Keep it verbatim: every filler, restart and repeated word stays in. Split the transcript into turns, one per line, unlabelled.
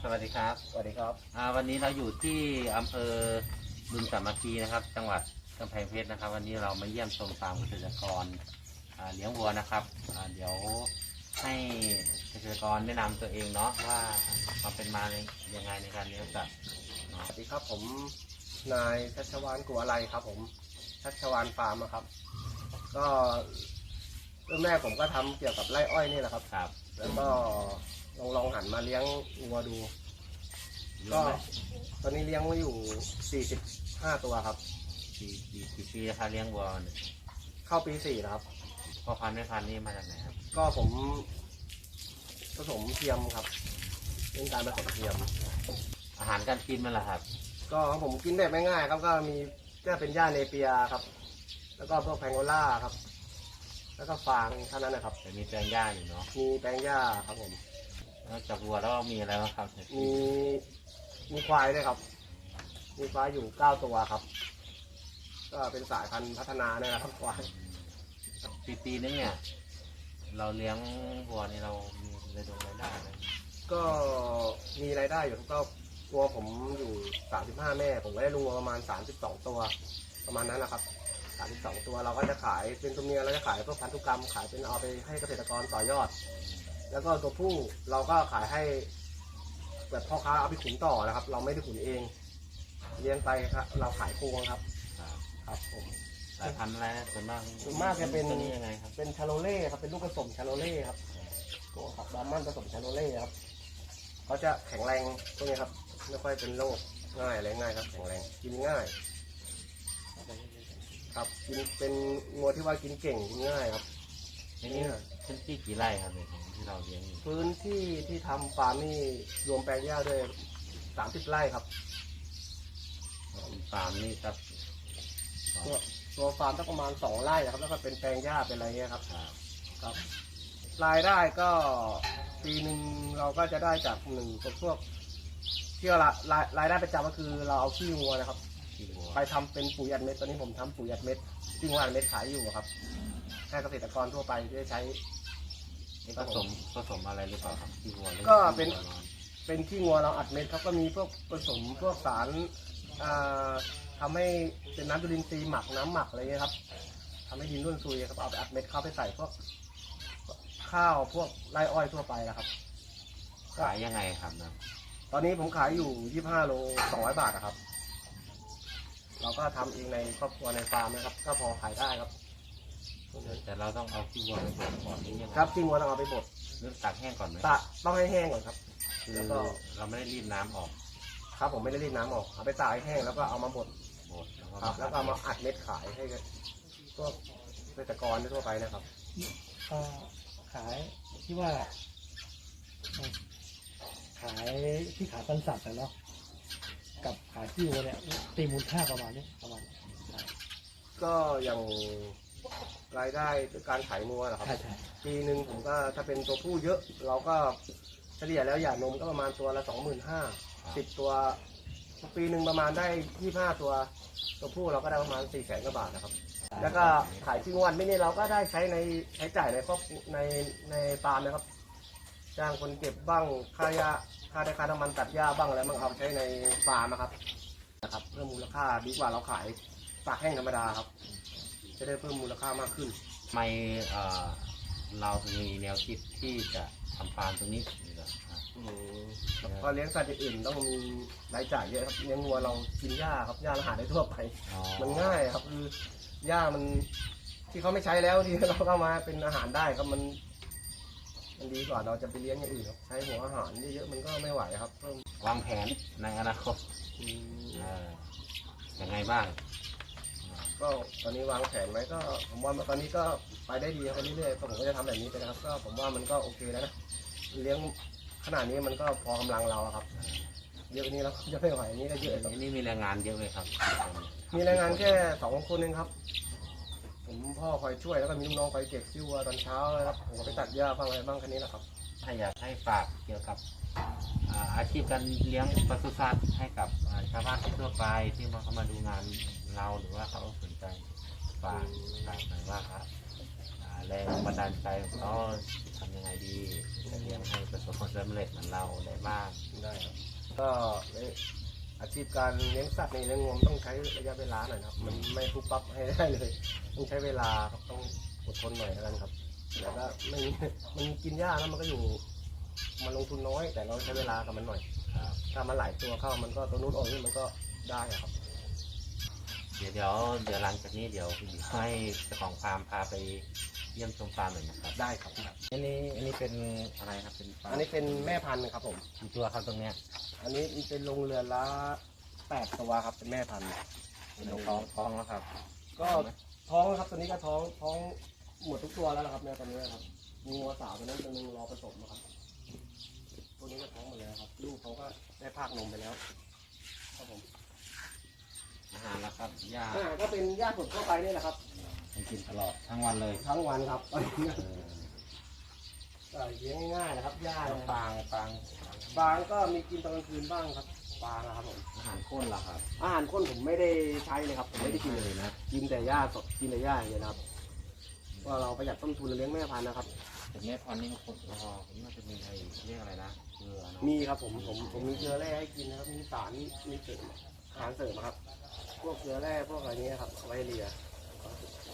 สวัสดีครับ
สวัสดีครับ
วันนี้เราอยู่ที่อำเภอบึงสามัคคีนะครับ จังหวัดกำแพงเพชรนะครับวันนี้เรามาเยี่ยมชมฟาร์มเกษตรกรเลี้ยงวัวนะครับเดี๋ยวให้เกษตรกรแนะนำตัวเองเนาะว่าความเป็นมายังไงในการเลี้ยงสัตว์
สวัสดีครับผมนายชัชวานกัวอะไรครับผมชัชวานฟาร์มครับก็เริ่มแรกผมก็ทำเกี่ยวกับไร่อ้อยนี่แหละครับ
ครับ
แล้วก็ลองลองหันมาเลี้ยงวัวดูก็ตอนนี้เลี้ยงไว้อยู่สี่สิบห้าตัวครับ
กี่กี่กี่ปีนะครับเลี้ยงวัว
เข้าปีสี่แล้วครับ
พ่อพันธุ์แม่พันธุ์นี่มาจากไหนครับ
ก็ผมผสมเทียมครับเรื่องการผสมเทียม
อาหารการกินมันแหละครับ
ก็ผมกินแบบง่ายๆครับก็มีก็เป็นหญ้าเนเปียครับแล้วก็พวกแพงโกล่าครับแล้วก็ฟางเท่านั้นนะครับ
แต่มีแปลงหญ้าอยู่เนาะ
มีแปลงหญ้าครับผม
นอกจากวัวแล้วมีอะไรบ้างครับ
มีมีควายด้วยครับมีควายอยู่เก้าตัวครับก็เป็นสายพันธุ์พัฒนาเนี่ยนะครับควาย
ปีปีนึงเนี่ยเราเลี้ยงวัวนี่เรามีรายได้รายได้ไหม
ก็มีรายได้อยู่ก็วัวผมอยู่สามสิบห้าแม่ผมก็ได้ลุงวัวประมาณสามสิบสองตัวประมาณนั้นแหละครับสามสิบสองตัวเราก็จะขายเป็นตัวเมียเราจะขายพวกพันธุกรรมขายเป็นเอาไปให้เกษตรกรต่อยอดแล้วก็ตัวผู้เราก็ขายให้แบบพ่อค้าเอาไปขุนต่อนะครับเราไม่ได้ขุนเองเลี้ยงไปครับเราขายโครงครับครับผม
สายพันธุ์อะไรส่วนมาก
ส่วนมากจะเป็น
ตัวนี้ยังไงครับ
เป็นชาโลเล่ครับเป็นลูกผสมชาโลเล่ครับตัวขับดามันผสมชาโลเล่ครับเขาจะแข็งแรงพวกนี้ครับไม่ค่อยเป็นโรคง่ายอะไรง่ายครับแข็งแรงกินง่ายครับกินเป็นงัวที่ว่ากินเก่งกินง่ายครับ
นี่พื้นที่กี่ไร่ครับที่เราเลี้ยง
พื้นที่ที่ทำฟาร์มนี่รวมแปลงหญ้าด้วยสามสิบไร่ครับ
ฟาร์มนี่ครับ
ตัวตัวฟาร์มต้องประมาณสองไร่ครับแล้วก็เป็นแปลงหญ้าเป็นอะไรเงี้ยครับครับรายได้ก็ปีหนึ่งเราก็จะได้จากหนึ่งพวกที่เรารายรายได้ประจำก็คือเราเอาขี้วัวนะครับไปทำเป็นปุ๋ยอัดเม็ดตอนนี้ผมทำปุ๋ยอัดเม็ดขี้วัวอัดเม็ดขายอยู่ครับให้เกษตรกรทั่วไปได้ใช้
ผสมผสมอะไรหรือเปล่าครับขี้วัว
ก็เป็นเป็นขี้วัวเราอัดเม็ดครับก็มีพวกผสมพวกสารทำให้เป็นน้ำจุลินทรีย์หมักน้ำหมักอะไรเงี้ยครับทำให้ดินร่วนซุยครับเอาไปอัดเม็ดเข้าไปใส่พวกข้าวพวกไร่อ้อยทั่วไปนะครับ
ขายยังไงครับนะ
ตอนนี้ผมขายอยู่ยี่สิบห้าโลสองร้อยบาทนะครับเราก็ทำเองในครอบครัวในฟาร์มนะครับก็พอขายได้ครับ
แต่เราต้องเอาขี้วัวไปบดก่อนนี่ยังไง
ครับขี้วัวต้องเอาไปบด
หรือตากแห้งก่อนไหม
ตากต้องให้แห้งก่อนครับ
แล้วก็เราไม่ได้รีดน้ำออก
ครับผมไม่ได้รีดน้ำออกเอาไปตากให้แห้งแล้วก็เอามาบด
บด
ครับแล้วก็เอามาอัดเม็ดขายให้พวกเกษตรกรทั่วไปนะครับ
ขายที่ว่าขายที่ขายปันสัตว์เนาะกับขายที่วัวเนี่ยตีมูลค่าประมาณนี้ประมาณ
ก็อย่างรายได้การขายงัวเหรอครับปีหนึ่งผมก็ถ้าเป็นตัวผู้เยอะเราก็เฉลี่ยแล้วหย่านมก็ประมาณตัวละสองหมื่นห้าสิบตัวปีหนึ่งประมาณได้ยี่สิบห้าตัวตัวผู้เราก็ได้ประมาณสี่แสนกว่าบาทนะครับแล้วก็ขายที่งวดไม่นี่เราก็ได้ใช้ในใช้จ่ายในครอบในในฟาร์มนะครับจ้างคนเก็บบ้างค่ายาค่าได้ค่าน้ำมันตัดหญ้าบ้างอะไรบ้างเอาใช้ในฟาร์มนะครับนะครับเพิ่มมูลค่าดีกว่าเราขายตากแห้งธรรมดาครับจะได้เพิ่มมูลค่ามากขึ้น
ทำไมเราถึงมีแนวคิดที่จะทำฟาร์มตรงนี้
พอเลี้ยงสัตว์อื่นต้องมีรายจ่ายเยอะครับเลี้ยงวัวเรากินหญ้าครับหญ้าเราหาได้ทั่วไปมันง่ายครับคือหญ้ามันที่เขาไม่ใช้แล้วที่เราเข้ามาเป็นอาหารได้ครับมันมันดีกว่าเราจะไปเลี้ยงอย่างอื่นครับใช้หัวอาหารเยอะๆมันก็ไม่ไหวครับเพิ่ม
วางแผนในอนาคตยังไงบ้าง
ก็ตอนนี้วางแผนไว้ก็ผมว่าตอนนี้ก็ไปได้ดีครับเรื่อยๆก็ผมก็จะทำแบบนี้ไปนะครับก็ผมว่ามันก็โอเคแล้วนะเลี้ยงขนาดนี้มันก็พอกำลังเราครับเยอะนี้เราจะไม่ไหวนี้ก็เยอะ
นี่มีแรงงานเยอะไหมครับ
มีแรงงานแค่สองคนเองครับผมพ่อคอยช่วยแล้วก็มีลูกน้องคอยเก็บซิวตอนเช้านะครับผมก็ไปตัดหญ้าบ้างอะไรบ้างแค่นี้แหละครับ
ถ้าอยากให้ฝากเกี่ยวกับอาชีพการเลี้ยงปศุสัตว์ให้กับชาวบ้านทั่วไปที่มาเข้ามาดูงานเราหรือว่าเขาสนใจฝากฝากหน่อยว่าครับแรงบันดาลใจของเขาทำยังไงดีจะเลี้ยงให้ประสบความสำเร็จเหมือนเราได้บ้าง
ได้ครับก็อาชีพการเลี้ยงสัตว์ในเลี้ยงงวต้องใช้ระยะเวลาหน่อยนะครับ มันไม่ปุ๊บปั๊บให้ได้เลย ต้องใช้เวลาครับต้องอดทนหน่อยแล้วกันครับแต่ก็ไม่มันกินยากแล้วมันก็อยู่มันลงทุนน้อย แต่เราใช้เวลากับมันหน่อยถ้ามันหลายตัวเข้ามันก็ตัวนู้นออกนี่มันก็ได้อะครับ
เดี๋ยวเดี๋ยวเดี๋ยวหลังจากนี้เดี๋ยวคุณหญิงให้เจ้าของฟาร์มพาไปเยี่ยมชมฟาร์มหน่อยนะครับ
ได้ครับอันนี้อันนี้เป็น
อะไรครับเป็นฟาร์ม
อันนี้เป็นแม่พันธุ์ครับผม
กี่ตัวครับตรงเนี้ย
อันนี้เป็นโรงเรือนละแปดตัวครับเป็นแม่พันธุ์
เป็นท้องท้องแล้วครับ
ก็ท้องครับตัวนี้ก็ท้องท้องหมดทุกตัวแล้วนะครับแม่ตัวนี้นะครับมีงัวสาวตัวนั้นตัวนึงรอผสมนะครับตัวนี้ก็ท้องหมดแล้วครับลูกเขาก็ได้พากนมไปแล้วครับผม
อาหารแล้วครับหญ้า
อาหารก็เป็นหญ้าสดทั่วไปนี่แหละครับ
ให้กินตลอดทั้งวันเลย
ทั้งวันครับตอนนี้
เออ
ก็เลี้ยงง่ายๆนะครับหญ้า
แล้ว
เนี่ย
ฟางฟาง
ฟางก็มีกินตอนกลางคืนบ้างครับฟางนะครับผม
อาหารข้นล่ะครับ
อาหารข้นผมไม่ได้ใช้เลยครับผมไม่ได้กินเลย
เลยนะ
กินแต่หญ้าสดกินแต่หญ้าอย่างเดียวนะครับว่าเราประหยัดต้นทุนเลี้ยงแม่พันธุ์นะครับ
แต่แม่พันธุ์นี่คนอ๋อผมน่าจะมีไอ้เรียกอะไรนะเกลือเนาะ
มีครับผมผมผมมีเกลือแร่ให้กินนะครับมีสารมีเสริมอาหารเสริมครับ พวกเกลือแร่พวกอะไรนี้นะครับเอาไว้เลีย